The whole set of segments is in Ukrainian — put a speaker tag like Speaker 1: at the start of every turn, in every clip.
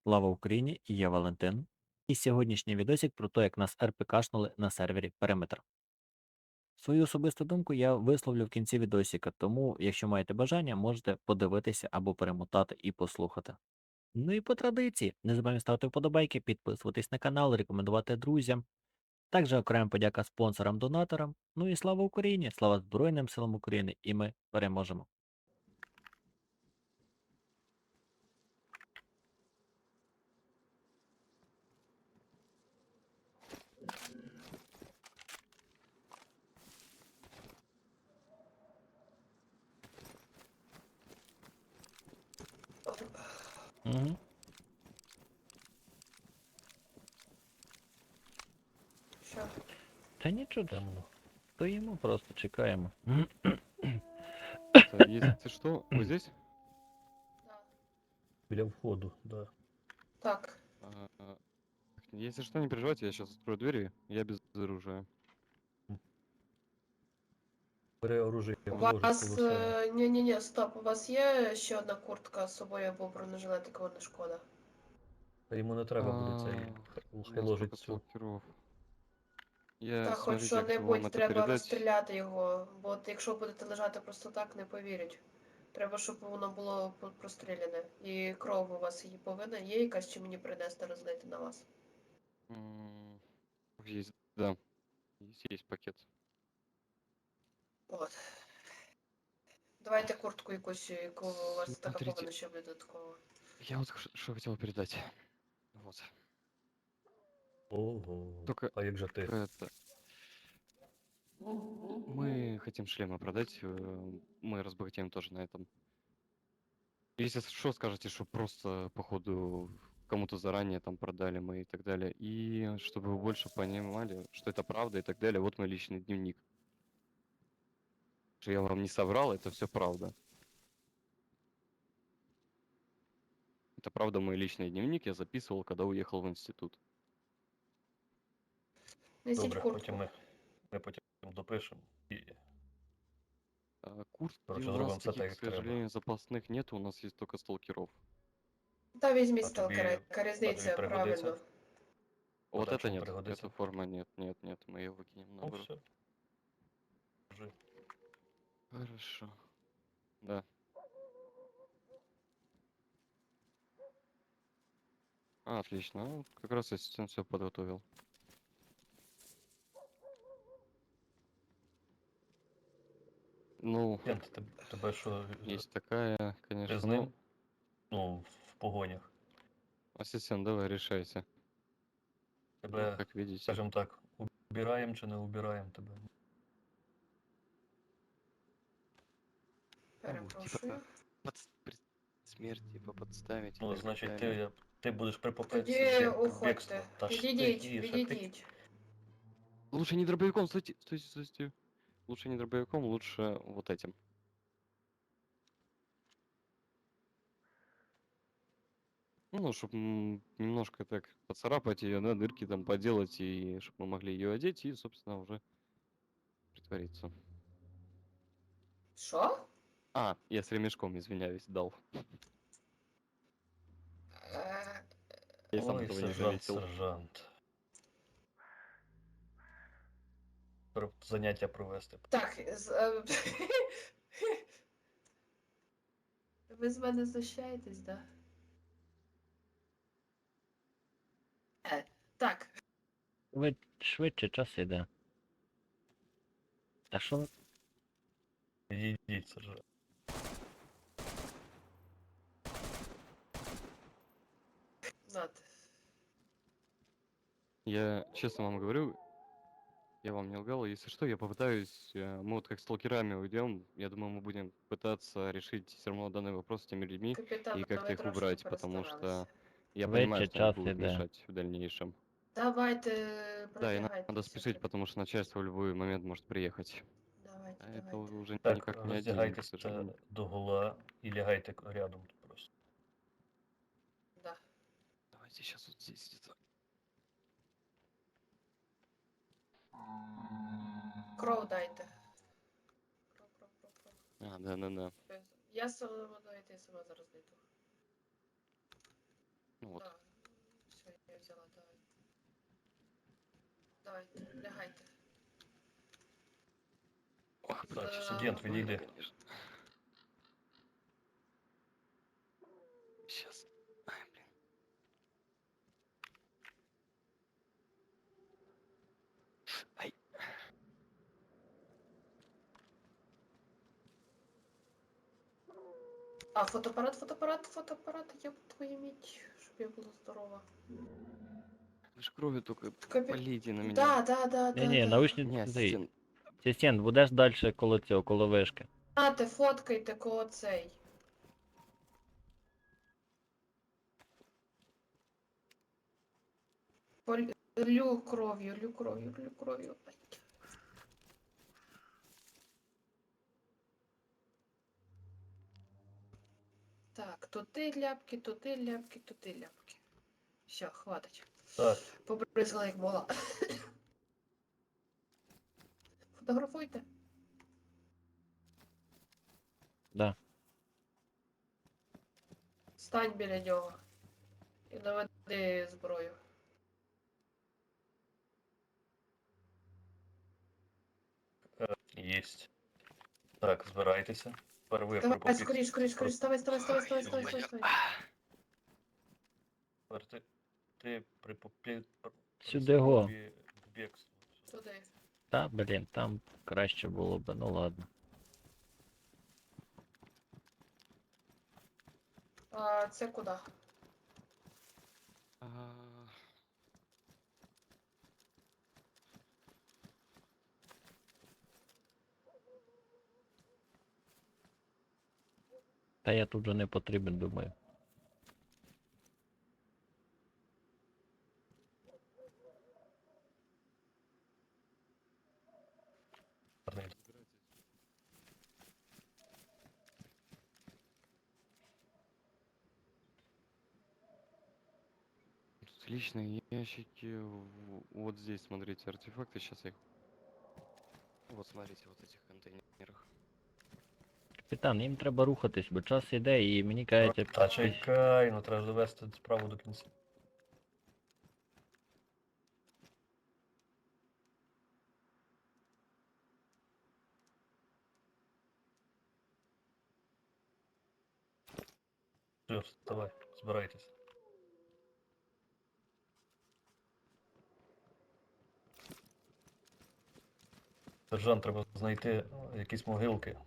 Speaker 1: Слава Україні! І я Валентин. І сьогоднішній відосик про те, як нас РПКшнули на сервері Периметр. Свою особисту думку я висловлю в кінці відосика, тому, якщо маєте бажання, можете подивитися або перемотати і послухати. Ну і по традиції, не забуваємо ставити вподобайки, підписуватись на канал, рекомендувати друзям. Також окрема подяка спонсорам-донаторам. Ну і слава Україні! Слава Збройним силам України! І ми переможемо! Угу.
Speaker 2: Що?
Speaker 1: Та нічого темного. Стоїмо, просто чекаємо.
Speaker 3: Если что, вы здесь?
Speaker 2: Да.
Speaker 4: Біля входу, да.
Speaker 2: Так.
Speaker 3: Если что, не переживайте, я сейчас открою двери, я без оружия.
Speaker 4: Бери оружие,
Speaker 2: У
Speaker 4: вложить
Speaker 2: вас.
Speaker 4: коло себе.
Speaker 2: Ні-ні-ні, стоп. У вас є ще одна куртка з собою або бронежилет, такого не шкода.
Speaker 4: Та йому не треба буде цей.
Speaker 3: У
Speaker 4: Хай
Speaker 3: нас
Speaker 4: ложить
Speaker 3: только
Speaker 4: цю.
Speaker 3: сталкеров. Я,
Speaker 2: Та хоч
Speaker 3: смотрите, я хочу вам
Speaker 2: що-небудь
Speaker 3: это
Speaker 2: треба
Speaker 3: передать.
Speaker 2: розстріляти його, бо от якщо будете лежати просто так, не повірять. Треба, щоб воно було простріляне. І кров у вас її повинна є якась, чи мені принести розлити на вас.
Speaker 3: Есть, да. Есть пакет.
Speaker 2: От. Давайте куртку якусь, яку у вас така
Speaker 3: Смотрите.
Speaker 2: повинна ще бути додаткова.
Speaker 3: Я вот что хотел передать. Вот.
Speaker 4: Ого.
Speaker 3: Только
Speaker 4: А як же ти?
Speaker 3: это... Мы хотим шлемы продать, мы разбогатеем тоже на этом. Если что, скажете, что просто, походу, кому-то заранее там продали мы и так далее. И чтобы вы больше понимали, что это правда и так далее, вот мой личный дневник. Что я вам не соврал, это все правда. Это правда мой личный дневник, я записывал, когда уехал в институт.
Speaker 2: Несіть
Speaker 4: Добре,
Speaker 2: куртку.
Speaker 4: ми потім допишемо. І
Speaker 3: Куртки
Speaker 4: коротше,
Speaker 3: у
Speaker 4: зробимо
Speaker 3: нас
Speaker 4: все так,
Speaker 3: таких, к
Speaker 4: як треба.
Speaker 3: сожалению, запасных нет, у нас есть только сталкеров.
Speaker 2: Та візьміть
Speaker 4: А
Speaker 2: сталкера,
Speaker 4: тобі-
Speaker 2: яка різниця,
Speaker 4: пригодиться?
Speaker 2: правильно.
Speaker 3: Вот
Speaker 4: так,
Speaker 3: это
Speaker 4: что
Speaker 3: нет,
Speaker 4: пригодится?
Speaker 3: эта форма нет, мы ее выкинем
Speaker 4: Ну
Speaker 3: наоборот.
Speaker 4: все. Кажи.
Speaker 3: Хорошо. Да. Отлично, ну, как раз ассистент все подготовил. Ну,
Speaker 4: Кент, тебе що,
Speaker 3: есть такая,
Speaker 4: ти
Speaker 3: конечно.
Speaker 4: з ним? Ну, в погонях.
Speaker 3: Ассистент, давай решайся. Ну,
Speaker 4: Тебе,
Speaker 3: как видите.
Speaker 4: скажімо так, убираємо чи не убираємо тебе?
Speaker 2: Перепрошую.
Speaker 3: При смерти типа подставить.
Speaker 4: Ну,
Speaker 3: и так
Speaker 4: значить,
Speaker 3: далее.
Speaker 4: ти будеш при попитці
Speaker 2: Тоді уходьте.
Speaker 4: бігства. Та ж
Speaker 2: Відійдіть,
Speaker 4: тихіше,
Speaker 2: відійдіть.
Speaker 3: Лучше не дробовиком, стойте, стойте, стойте. Лучше не дробовиком, лучше вот этим. Ну, чтобы немножко так поцарапать ее, да, дырки там поделать, и чтобы мы могли ее одеть и, собственно, уже притвориться.
Speaker 2: Що?
Speaker 3: Я с ремешком, извиняюсь, дал.
Speaker 2: Е,
Speaker 3: Я сам
Speaker 4: Ой,
Speaker 3: этого не
Speaker 4: сержант,
Speaker 3: заметил.
Speaker 4: сержант. Заняття провести.
Speaker 2: Так, ви з мене знущаєтесь, да? Так,
Speaker 1: Ви швидше, час іде. Та що ви?
Speaker 4: Відійдіть, сержант.
Speaker 2: над.
Speaker 3: Я честно вам говорю, я вам не лгал. Если что, я попытаюсь, мы вот как сталкерами уйдем, я думаю, мы будем пытаться решить все равно данный вопрос с теми людьми
Speaker 2: Капітан,
Speaker 3: и как-то
Speaker 2: ви
Speaker 3: их
Speaker 2: трошки
Speaker 3: убрать, потому
Speaker 2: перестаралися.
Speaker 3: что я
Speaker 1: Швидше,
Speaker 3: понимаю, что они
Speaker 1: час
Speaker 3: будут
Speaker 1: іде.
Speaker 3: мешать в дальнейшем.
Speaker 2: Давайте,
Speaker 3: Да, и надо
Speaker 2: продвигайтеся.
Speaker 3: спешить, потому что начальство в любой момент может приехать.
Speaker 2: Давайте,
Speaker 3: А это
Speaker 2: давайте.
Speaker 3: уже
Speaker 4: Так,
Speaker 3: никак не один, к
Speaker 4: роздягайтеся
Speaker 3: сожалению.
Speaker 4: догола і лягайте рядом просто.
Speaker 2: Да.
Speaker 3: Давайте сейчас вот здесь где-то.
Speaker 2: Кров дайте. Кров.
Speaker 3: Да.
Speaker 2: Я сама, давайте я сама зараз знайду.
Speaker 3: Ну вот.
Speaker 2: Да. взяла, давай. Давайте, лягайте.
Speaker 3: Ох,
Speaker 2: Так,
Speaker 4: студент, відійди.
Speaker 3: конечно. Сейчас. Ай, блин. Ай.
Speaker 2: А, фотоапарат, я твою мить, щоб я була здорова.
Speaker 3: Вы ж кровью только
Speaker 2: Капі...
Speaker 3: полейте на меня.
Speaker 1: Ні-ні,
Speaker 2: Да.
Speaker 1: наушниці
Speaker 3: Не,
Speaker 1: цей.
Speaker 3: ассистент.
Speaker 1: Асистент, будеш далі коло цього, коло вишки.
Speaker 2: Нате, фоткайте коло цей. Лю кров'ю. Ай. Так, туди ляпки. Все, хватить.
Speaker 4: Так,
Speaker 2: Побризгала як могла. Фотографуйте.
Speaker 1: Да.
Speaker 2: Стань біля нього. І наведи зброю.
Speaker 4: єсть. Так, збирайтеся. Тепер ви
Speaker 2: Давай,
Speaker 4: припопіть.
Speaker 2: скоріш, ставай.
Speaker 4: Тепер ти
Speaker 1: Сюди го.
Speaker 4: к бегству.
Speaker 2: Туди.
Speaker 1: Та, блін, там краще було б, ну ладно.
Speaker 2: А це куди?
Speaker 3: А,
Speaker 1: Та я тут же не потрібен, думаю.
Speaker 3: Тут личные ящики. Вот здесь, смотрите, артефакты. Сейчас я их... Вот смотрите, вот этих контейнерах.
Speaker 1: Капітан, їм треба рухатись, бо час іде і мені кажеться...
Speaker 4: Та чекай, ну треба ж довести справу до кінця. Все, вставай, збирайтесь. Сержант, треба знайти якісь могилки,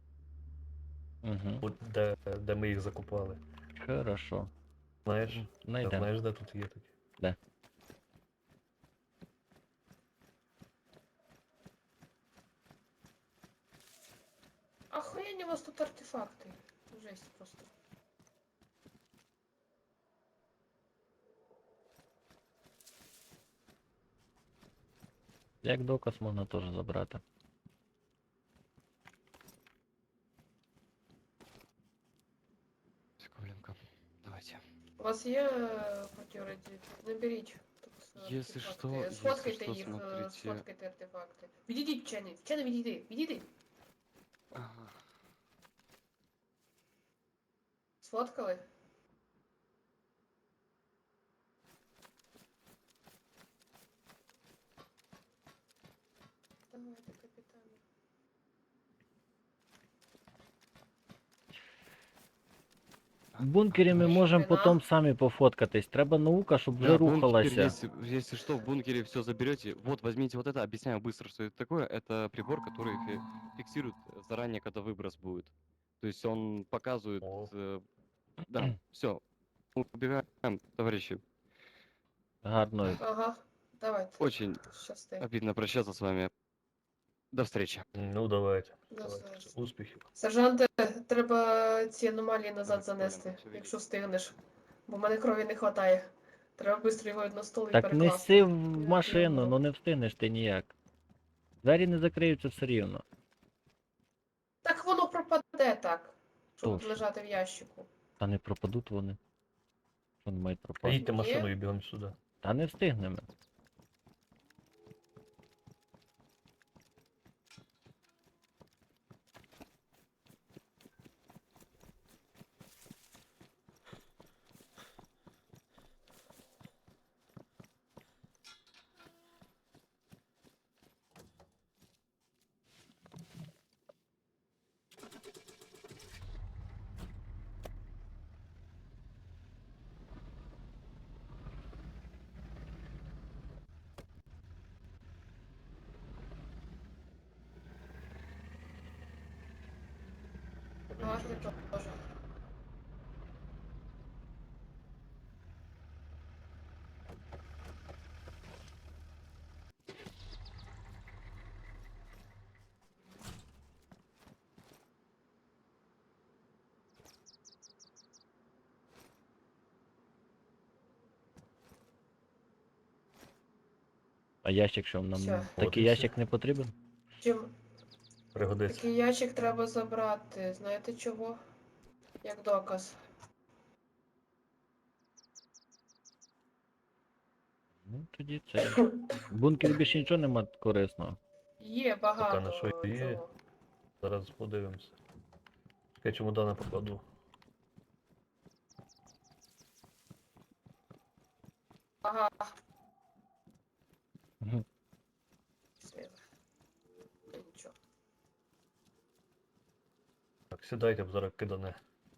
Speaker 1: Угу.
Speaker 4: де ми їх закопали.
Speaker 1: Хорошо.
Speaker 4: Знаєш?
Speaker 1: Найдем.
Speaker 4: Знаєш, де тут є такі?
Speaker 1: Де?
Speaker 2: Охуєнні у вас тут артефакти. Жесть просто.
Speaker 1: Як доказ можна теж забрати.
Speaker 3: Секунденько. Давайте.
Speaker 2: У вас є протирадіти? Наберіть. Тут
Speaker 3: Если
Speaker 2: артефакти.
Speaker 3: что, если
Speaker 2: Сфоткайте
Speaker 3: что,
Speaker 2: їх,
Speaker 3: смотрите.
Speaker 2: сфоткайте артефакти. Відійдіть, вчений, відійди.
Speaker 3: Ага.
Speaker 2: Сфоткали? Давайте, капітан.
Speaker 1: В бункері ми можемо
Speaker 2: Ніхрена.
Speaker 1: потім самі пофоткатись. Треба наука, щоб вже
Speaker 3: Да, бункер,
Speaker 1: рухалася.
Speaker 3: если что, в бункере все заберете. Вот, возьмите вот это, объясняю быстро, что это такое. Это прибор, который фиксирует заранее, когда выброс будет. То есть он показывает...
Speaker 4: О.
Speaker 3: Да, все. Убегаем, товарищи.
Speaker 1: Гарно.
Speaker 2: Ага, давайте.
Speaker 3: Очень
Speaker 2: Щасти.
Speaker 3: обидно прощаться с вами. До встречи.
Speaker 4: Ну давайте.
Speaker 2: До
Speaker 4: Давайте.
Speaker 2: зараз.
Speaker 4: Успіхів.
Speaker 2: Сержанте, треба ці аномалії назад
Speaker 3: Давай,
Speaker 2: занести,
Speaker 3: Коля, все
Speaker 2: якщо встигнеш. Бо в мене крові не вистачає. Треба швидко його на стол і
Speaker 1: Так
Speaker 2: перекласти.
Speaker 1: неси в машину,
Speaker 2: Дякую.
Speaker 1: ну не встигнеш ти ніяк. Двері не закриються все рівно.
Speaker 2: Так воно пропаде так, щоб
Speaker 1: Точно.
Speaker 2: лежати в ящику.
Speaker 1: Та не пропадуть вони. Що вони мають пропасти?
Speaker 4: Їдьте машиною і бігом сюди.
Speaker 1: Та не встигнемо.
Speaker 2: Ти теж.
Speaker 1: А ящик, що нам
Speaker 2: Всё.
Speaker 1: такий
Speaker 4: От і
Speaker 1: ящик
Speaker 4: все.
Speaker 1: не потрібен?
Speaker 2: Чим
Speaker 4: Пригодиться.
Speaker 2: такий ящик треба забрати. Знаєте чого? Як доказ.
Speaker 1: Ну, тоді це. В бункері більше нічого нема корисного.
Speaker 2: Є
Speaker 4: Поки на що
Speaker 2: багато
Speaker 4: є.
Speaker 2: чого.
Speaker 4: Зараз подивимося. Я чемодана покладу.
Speaker 2: Ага.
Speaker 1: Мгм.
Speaker 2: Світ. Нічого.
Speaker 4: Так, сідайте, б зараз кидане.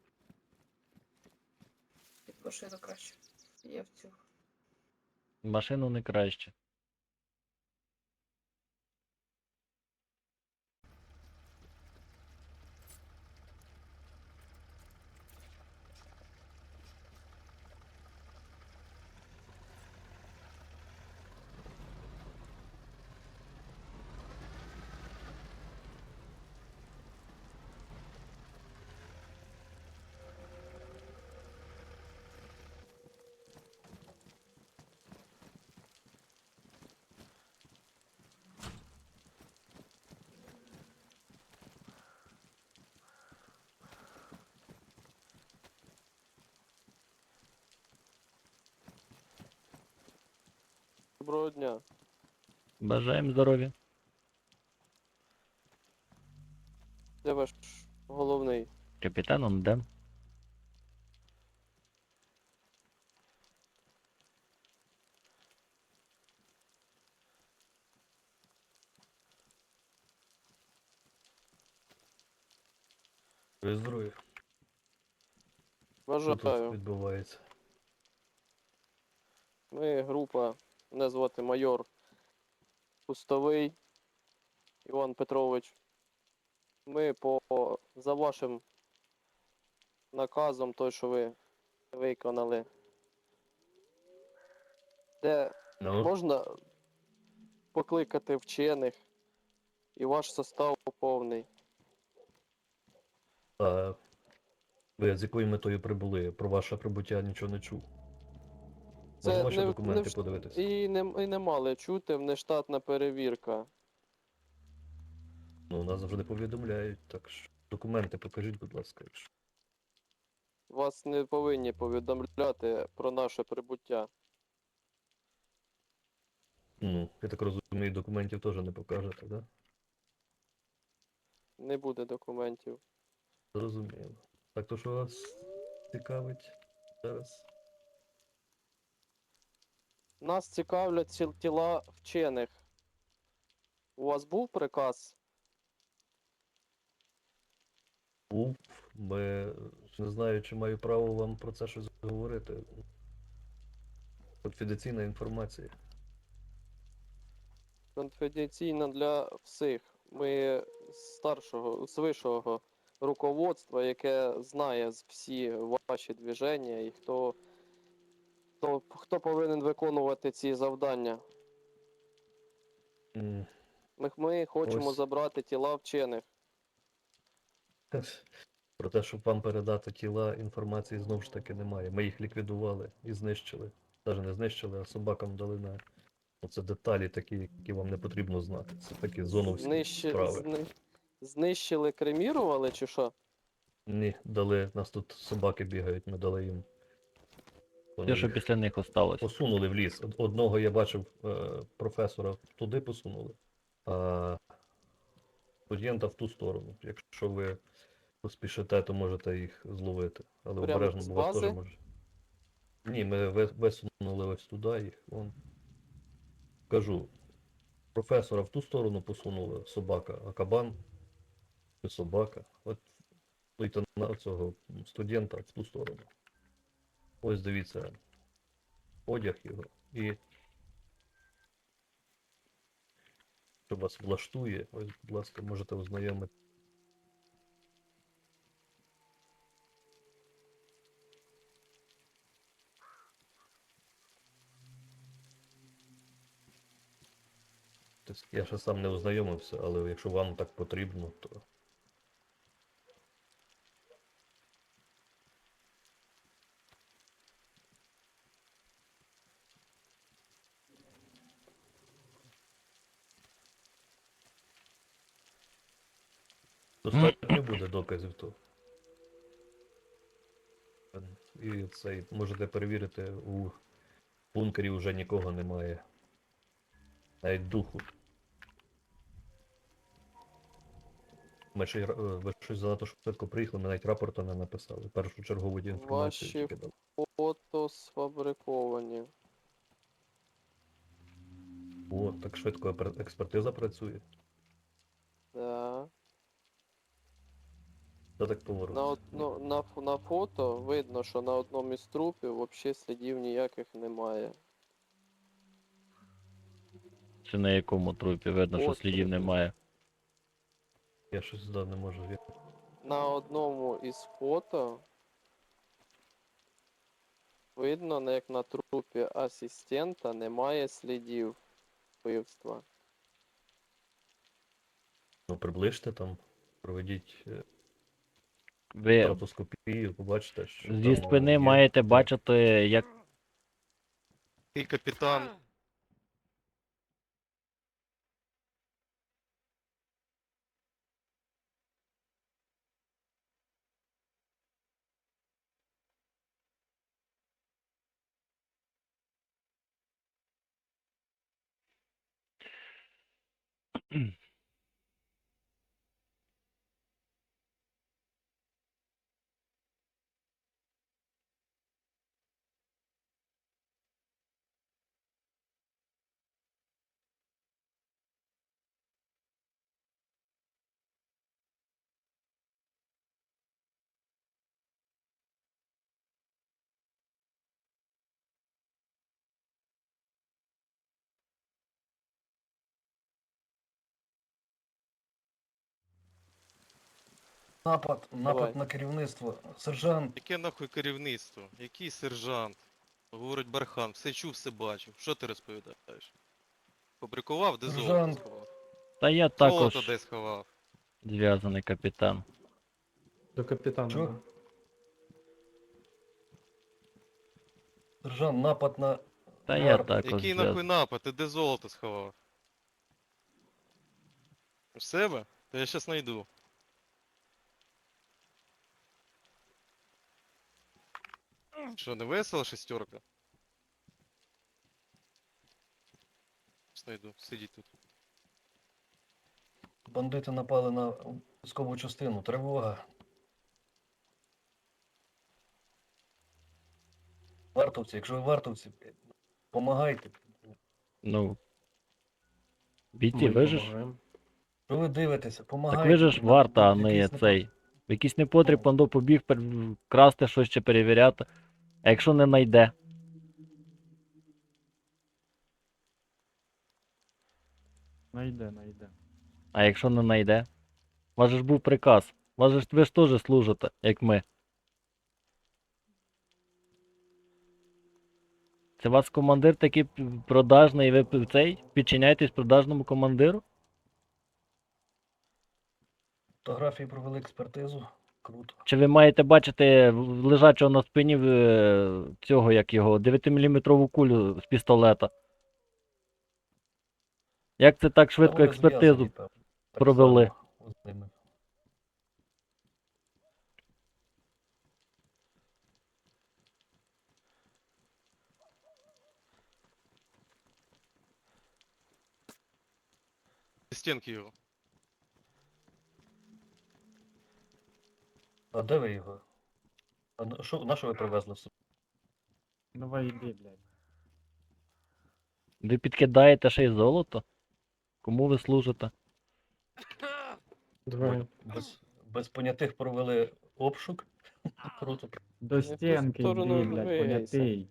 Speaker 2: Під машину краще. Є в цю.
Speaker 1: Машину не краще.
Speaker 5: Доброго дня.
Speaker 1: Бажаємо здоров'я.
Speaker 5: Де ваш головний?
Speaker 1: Капітан он де?
Speaker 4: Ви здорові. Що тут
Speaker 5: Бажаю.
Speaker 4: відбувається?
Speaker 5: Ми група, мене звати майор Пустовий Іван Петрович. Ми за вашим наказом, той, що ви виконали, де
Speaker 4: Ну,
Speaker 5: можна покликати вчених і ваш состав повний.
Speaker 4: а ви з якою метою прибули? Про ваше прибуття нічого не чув. Можна ваші документи подивитися?
Speaker 5: І не мали чути внештатна перевірка.
Speaker 4: Ну, нас завжди повідомляють, так що документи покажіть, будь ласка, якщо.
Speaker 5: Вас не повинні повідомляти про наше прибуття.
Speaker 4: Ну, я так розумію, документів теж не покажете, так? Да?
Speaker 5: Не буде документів.
Speaker 4: Зрозуміло. Так, то що вас цікавить зараз?
Speaker 5: Нас цікавлять тіла вчених. У вас був приказ?
Speaker 4: Був, не знаю, чи маю право вам про це щось говорити. Конфіденційна інформація.
Speaker 5: Конфіденційно для всіх. Ми з вищого руководства, яке знає всі ваші движення і хто повинен виконувати ці завдання.
Speaker 4: М,
Speaker 5: Ми хочемо
Speaker 4: Ось.
Speaker 5: забрати тіла вчених.
Speaker 4: Про те, щоб вам передати тіла, інформації знову ж таки немає. Ми їх ліквідували і знищили. Навіть не знищили, а собакам дали на. Оце деталі такі, які вам не потрібно знати. Це такі зоновські справи.
Speaker 5: Знищили, кремірували чи що?
Speaker 4: Ні, дали, нас тут собаки бігають, ми дали їм. Вони
Speaker 1: Те, що
Speaker 4: їх
Speaker 1: після них осталось.
Speaker 4: посунули в ліс. Одного я бачив професора туди посунули, а студента в ту сторону. Якщо ви поспішите, то можете їх зловити. Але
Speaker 5: Прямо
Speaker 4: обережно,
Speaker 5: з
Speaker 4: бо вас теж
Speaker 5: бази?
Speaker 4: може. Ні, ми висунули ось туди їх. Вон. Кажу, професора в ту сторону посунули собака, а кабан чи собака. От лейтенанта цього студента в ту сторону. Ось дивіться, одяг його. І що вас влаштує, ось, будь ласка, можете ознайомити. Тобто я ще сам не ознайомився, але якщо вам так потрібно, то. Достатньо буде доказів, то. І цей можете перевірити, у бункері вже нікого немає. Навіть духу. Ви щось занадто швидко приїхали, ми навіть рапорту не написали. Першу чергову інформацію
Speaker 5: Ваші
Speaker 4: тільки дали.
Speaker 5: фото сфабриковані.
Speaker 4: О, так швидко експертиза працює.
Speaker 5: Да.
Speaker 4: Це так поворот.
Speaker 5: На фото видно, що на одному із трупів взагалі слідів ніяких немає.
Speaker 1: Чи на якому трупі видно, що
Speaker 5: От
Speaker 1: слідів
Speaker 5: трупі.
Speaker 1: немає.
Speaker 4: Я щось не можу.
Speaker 5: На одному із фото видно, як на трупі асистента немає слідів вбивства.
Speaker 4: Ну, приближте там, проведіть
Speaker 1: Ви
Speaker 4: стратоскопію, побачите, що
Speaker 1: зі
Speaker 4: там
Speaker 1: спини
Speaker 4: є.
Speaker 1: маєте бачити, як
Speaker 6: Ти капітан.
Speaker 4: Напад
Speaker 5: Давай.
Speaker 4: на керівництво. Сержант.
Speaker 6: Яке нахуй керівництво? Який сержант? Говорить Бархан, все чув, все бачив. Що ти розповідаєш? Фабрикував, де золото
Speaker 4: Сержант.
Speaker 6: сховав?
Speaker 1: та я
Speaker 6: Золото
Speaker 1: також
Speaker 6: де сховав?
Speaker 1: зв'язаний капітан.
Speaker 7: До капітана.
Speaker 4: Що?
Speaker 7: да.
Speaker 4: Сержант, напад на.
Speaker 1: Та я
Speaker 4: Гарп.
Speaker 1: також
Speaker 6: Який
Speaker 1: зв'язаний.
Speaker 6: нахуй напад? Ти де золото сховав? У себе? Та я щас найду. Що, не весело шестерка? Щас найду, сидіть тут.
Speaker 4: Бандити напали на військову частину. Тривога. Вартовці, якщо ви вартовці, помагайте.
Speaker 1: Ну. Бійці, ви ж.
Speaker 7: Помагаємо.
Speaker 4: Що ви дивитеся? Помагайте.
Speaker 1: Так ви ж варта, а не
Speaker 4: Якийсь
Speaker 1: цей. В якийсь непотріб
Speaker 4: Ну.
Speaker 1: пандо побіг красти щось чи перевіряти. А якщо не найде?
Speaker 7: Найде.
Speaker 1: А якщо не найде? У вас же ж був приказ. У вас же ж ви ж теж служите, як ми. Це вас командир такий продажний, і ви цей підчиняєтесь продажному командиру?
Speaker 4: Фотографії провели експертизу. Круто.
Speaker 1: Чи ви маєте бачити лежачого на спині цього, як його, 9-мм кулю з пістолета? Як це так швидко
Speaker 4: Та вони
Speaker 1: експертизу
Speaker 4: зв'язані, певно, так
Speaker 1: провели?
Speaker 4: само з ними.
Speaker 6: Стінки його.
Speaker 4: А де ви його? На що ви привезли?
Speaker 7: Давай іди, блядь.
Speaker 1: Ви підкидаєте ще й золото? Кому ви служите?
Speaker 7: Давай.
Speaker 4: Без понятих провели обшук. Круто.
Speaker 7: До стінки
Speaker 5: сторону
Speaker 7: йди, блядь,
Speaker 5: двигайся.
Speaker 7: понятий.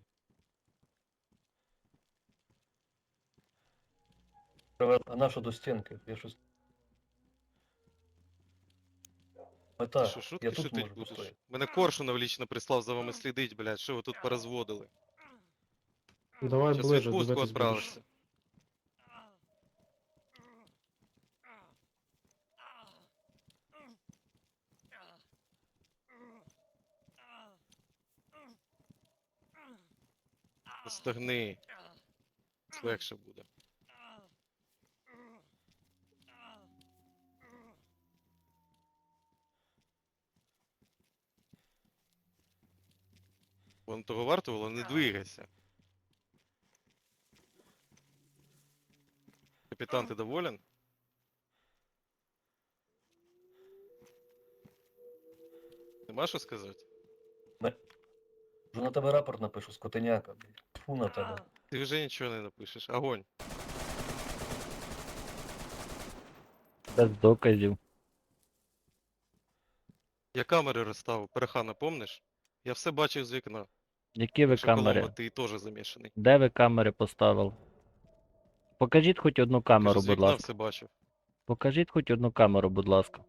Speaker 4: А на що до стінки? Я щось. Мета,
Speaker 6: Що, шутки
Speaker 4: я тут
Speaker 6: шутить
Speaker 4: можу
Speaker 6: будеш?
Speaker 4: постояти.
Speaker 6: Мене Коршунов лічно прислав за вами слідить, блядь, що ви тут порозводили?
Speaker 7: Давай
Speaker 6: Щас в
Speaker 7: ближе,
Speaker 6: відпустку
Speaker 7: дивитись будеш.
Speaker 6: відправишся. Стогни. Легше буде. Воно того вартувало, не двигайся. Капітан, ти доволен? Нема що сказати?
Speaker 4: Вже на тебе рапорт напишу, скотиняка, блядь. Тьфу на тебе.
Speaker 6: Ти вже нічого не напишеш. Огонь.
Speaker 1: Без доказів.
Speaker 6: Я камери розставив, Перехана, помниш? Я все бачив з вікна.
Speaker 1: Які ви
Speaker 6: Так що, Коломбо,
Speaker 1: камери?
Speaker 6: ти теж замішаний.
Speaker 1: Де ви камери поставили? Покажіть хоч одну
Speaker 6: Кажу,
Speaker 1: камеру,
Speaker 6: з
Speaker 1: будь
Speaker 6: вікна
Speaker 1: ласка.
Speaker 6: все бачив.
Speaker 1: Покажіть хоч одну камеру, будь ласка.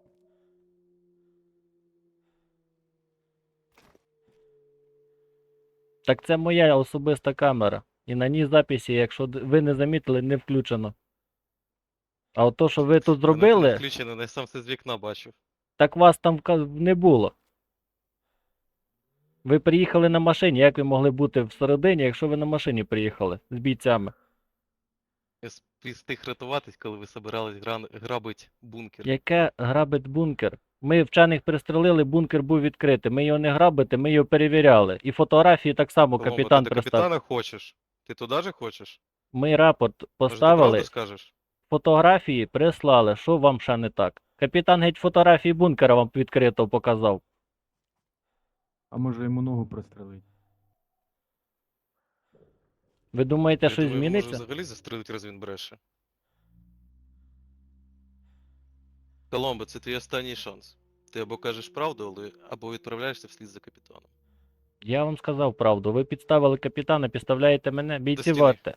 Speaker 1: Так це моя особиста камера. І на ній записі, якщо ви не замітили, не включено. А от то, що ви тут
Speaker 6: Вона не
Speaker 1: зробили,
Speaker 6: включена, я сам все з вікна бачив.
Speaker 1: так вас там не було. Ви приїхали на машині, як ви могли бути всередині, якщо ви на машині приїхали з бійцями?
Speaker 6: Я встиг рятуватись, коли ви собирались грабить бункер.
Speaker 1: Яке грабить бункер? Ми вчених пристрелили, бункер був відкритий. Ми його не грабити, ми його перевіряли. І фотографії так само
Speaker 6: Коломбо,
Speaker 1: капітан
Speaker 6: ти до
Speaker 1: пристав.
Speaker 6: капітана хочеш? Ти туди же хочеш?
Speaker 1: Ми рапорт
Speaker 6: Може, ти
Speaker 1: поставили,
Speaker 6: правду скажеш?
Speaker 1: фотографії прислали. Що вам ще не так? Капітан геть фотографії бункера вам відкрито показав.
Speaker 7: А може йому ногу прострелить?
Speaker 1: Ви думаєте,
Speaker 6: Я
Speaker 1: щось
Speaker 6: думаю, може
Speaker 1: зміниться?
Speaker 6: взагалі застрелить, раз він бреше. Коломбо, це твій останній шанс. Ти або кажеш правду, або відправляєшся вслід за капітаном.
Speaker 1: Я вам сказав правду. Ви підставили капітана, підставляєте мене. Бійці
Speaker 6: стіни.
Speaker 1: варте.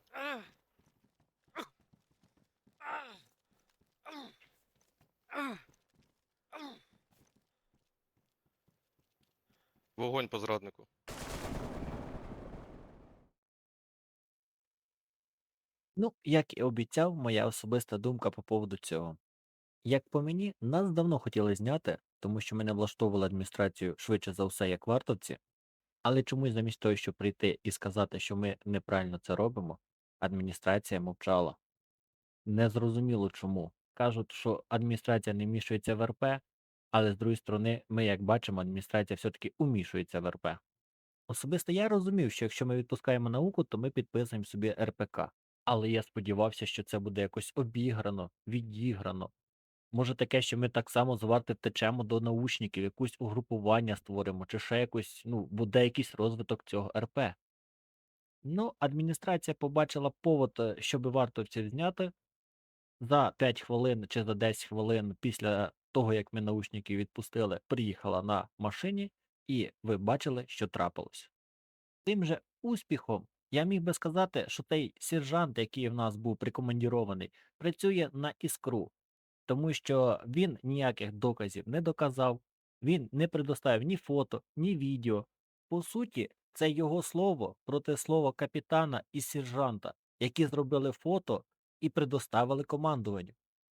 Speaker 6: Вогонь по зраднику.
Speaker 1: Ну, як і обіцяв, моя особиста думка по поводу цього. Як по мені, нас давно хотіли зняти, тому що ми не влаштовували адміністрацію швидше за все, як вартовці, але чомусь замість того, щоб прийти і сказати, що ми неправильно це робимо, адміністрація мовчала. Незрозуміло чому. Кажуть, що адміністрація не вмішується в РП, але з другої сторони, ми, як бачимо, адміністрація все-таки умішується в РП. Особисто я розумів, що якщо ми відпускаємо науку, то ми підписуємо собі РПК. Але я сподівався, що це буде якось обіграно, відіграно. Може таке, що ми так само з варти втечемо до научників, якусь угрупування створимо, чи ще якось, буде якийсь розвиток цього РП. Ну, адміністрація побачила повод, щоб вартовців зняти за 5 хвилин чи за 10 хвилин після того, як ми научників відпустили, приїхала на машині, і ви бачили, що трапилось. Тим же успіхом я міг би сказати, що той сержант, який в нас був прикомандірований, працює на іскру, тому що він ніяких доказів не доказав, він не предоставив ні фото, ні відео. По суті, це його слово проти слова капітана і сержанта, які зробили фото і предоставили командуванню.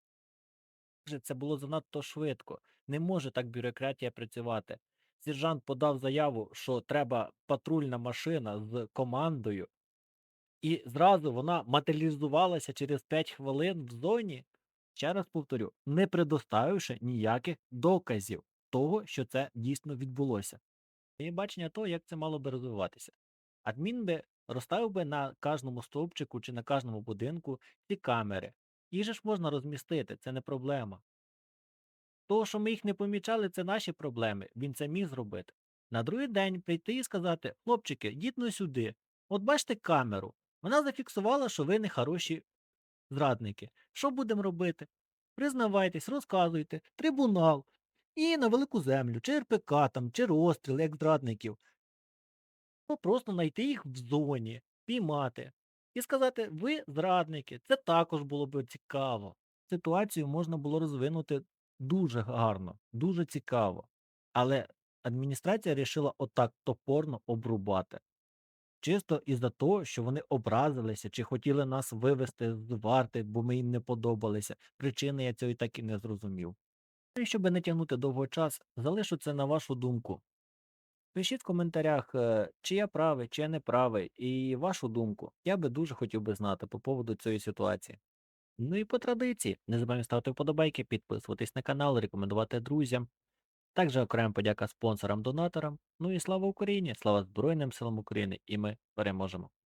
Speaker 1: Це було занадто швидко. Не може так бюрократія працювати. Сержант подав заяву, що треба патрульна машина з командою, і зразу вона матеріалізувалася через 5 хвилин в зоні, ще раз повторю, не предоставивши ніяких доказів того, що це дійсно відбулося. Є бачення того, як це мало би розвиватися. Адмін би розставив би на кожному стовпчику чи на кожному будинку ці камери. Їх же ж можна розмістити, це не проблема. Того, що ми їх не помічали, це наші проблеми. Він це міг зробити. На другий день прийти і сказати: хлопчики, йдіть ну сюди. От бачите камеру. Вона зафіксувала, що ви не хороші зрадники. Що будемо робити? Признавайтесь, розказуйте, трибунал. І на велику землю, чи РПК там, чи розстріл, як зрадників. Ну, просто знайти їх в зоні, піймати. І сказати: ви зрадники, це також було б цікаво. Ситуацію можна було розвинути дуже гарно, дуже цікаво. Але адміністрація вирішила отак топорно обрубати. Чисто із-за того, що вони образилися, чи хотіли нас вивести з варти, бо ми їм не подобалися. Причини я цього і так і не зрозумів. І щоб не тягнути довго час, залишу це на вашу думку. Пишіть в коментарях, чи я правий, чи я не правий, і вашу думку. Я би дуже хотів би знати по поводу цієї ситуації. Ну і по традиції, не забуваємо ставити вподобайки, підписуватись на канал, рекомендувати друзям. Також окрема подяка спонсорам, донаторам. Ну і слава Україні! Слава Збройним силам України! І ми переможемо!